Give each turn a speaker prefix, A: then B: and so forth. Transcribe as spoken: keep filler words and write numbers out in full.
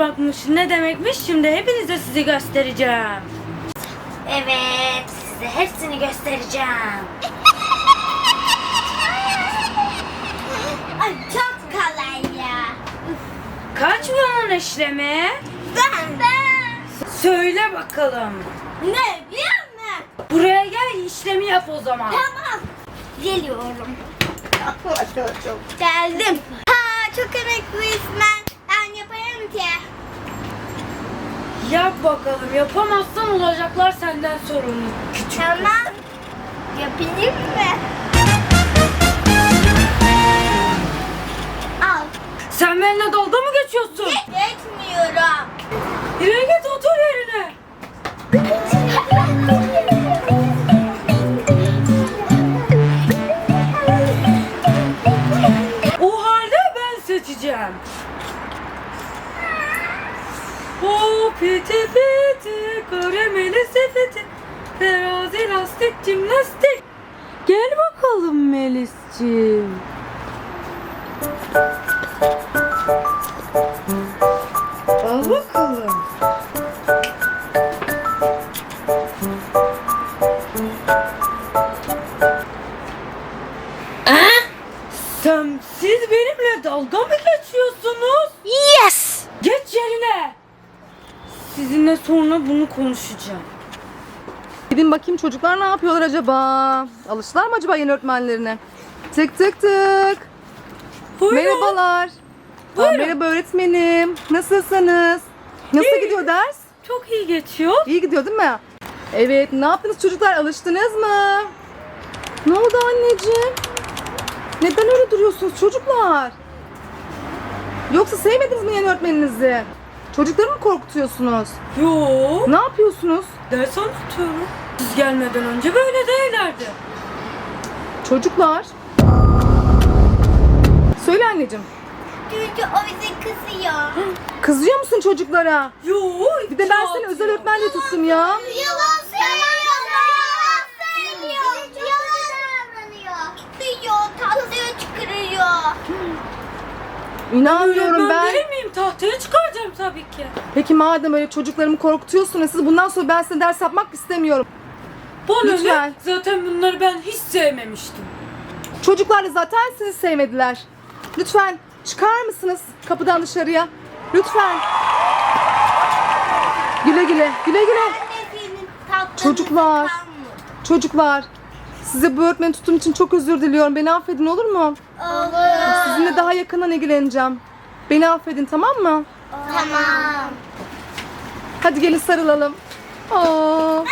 A: çalışmakmış, ne demekmiş, şimdi hepinize sizi göstereceğim.
B: Evet, size hepsini göstereceğim. Ay çok kolay ya.
A: Kaç bunun işlemi?
B: Ben ben.
A: Söyle bakalım.
B: Ne biliyor musun?
A: Buraya gel, işlemi yap o zaman.
B: Tamam. Geliyorum. Geldim. Ha çok emekliyim ben. Ben yaparım ki.
A: Yap bakalım, yapamazsan olacaklar senden sorumlu. Küçük.
B: Tamam. Yapayım mı? Al.
A: Sen benimle dalga mı geçiyorsun?
B: Geçmiyorum.
A: Yürü git, otur yerine. O halde ben seçeceğim. O piti piti, karameli sepeti, terazi lastik jimnastik. Gel bakalım Melisciğim. Al bakalım. Sen, siz benimle dalga mı geçiyorsunuz?
B: Yes.
A: Geç yerine. Sizinle sonra bunu konuşacağım.
C: Gidin bakayım çocuklar ne yapıyorlar acaba? Alıştılar mı acaba yeni öğretmenlerine? Tık tık tık.
A: Buyurun.
C: Merhabalar. Aa,
A: Buyurun.
C: merhaba öğretmenim. Nasılsınız? Nasıl
A: İyi.
C: gidiyor ders?
A: Çok iyi geçiyor.
C: İyi gidiyor değil mi? Evet, ne yaptınız çocuklar? Alıştınız mı? Ne oldu anneciğim? Neden öyle duruyorsunuz çocuklar? Yoksa sevmediniz mi yeni öğretmeninizi? Çocukları mı korkutuyorsunuz?
A: Yo,
C: Ne yapıyorsunuz?
A: ders anlatıyorum. Siz gelmeden önce böyle değillerdi.
C: Çocuklar. Söyle anneciğim.
B: Çünkü o bize kızıyor.
C: Kızıyor musun çocuklara?
A: Yo,
C: Bir de ben seni özel öğretmen diye tuttum ya.
B: Yalan söylüyor. Yalan söylüyor. Yalan davranıyor. Kızıyor, tahtaya çıkarıyor.
C: İnanmıyorum
A: ben.
C: ben.
A: Değil miyim? Tahtaya çıkaracağım tabii ki.
C: Peki madem öyle çocuklarımı korkutuyorsunuz, siz bundan sonra ben size ders yapmak istemiyorum.
A: Bana
C: Lütfen.
A: ne? Zaten bunları ben hiç sevmemiştim.
C: Çocuklar da zaten sizi sevmediler. Lütfen çıkar mısınız kapıdan dışarıya? Lütfen. Güle güle, güle güle.
B: Annesinin tatlını
C: Çocuklar.
B: kalmış.
C: Çocuklar, size bu öğretmeni tuttuğum için çok özür diliyorum. Beni affedin olur mu?
B: Olur.
C: Sizinle daha yakından ilgileneceğim. Beni affedin tamam mı?
B: Tamam.
C: Hadi gelin sarılalım. Aa.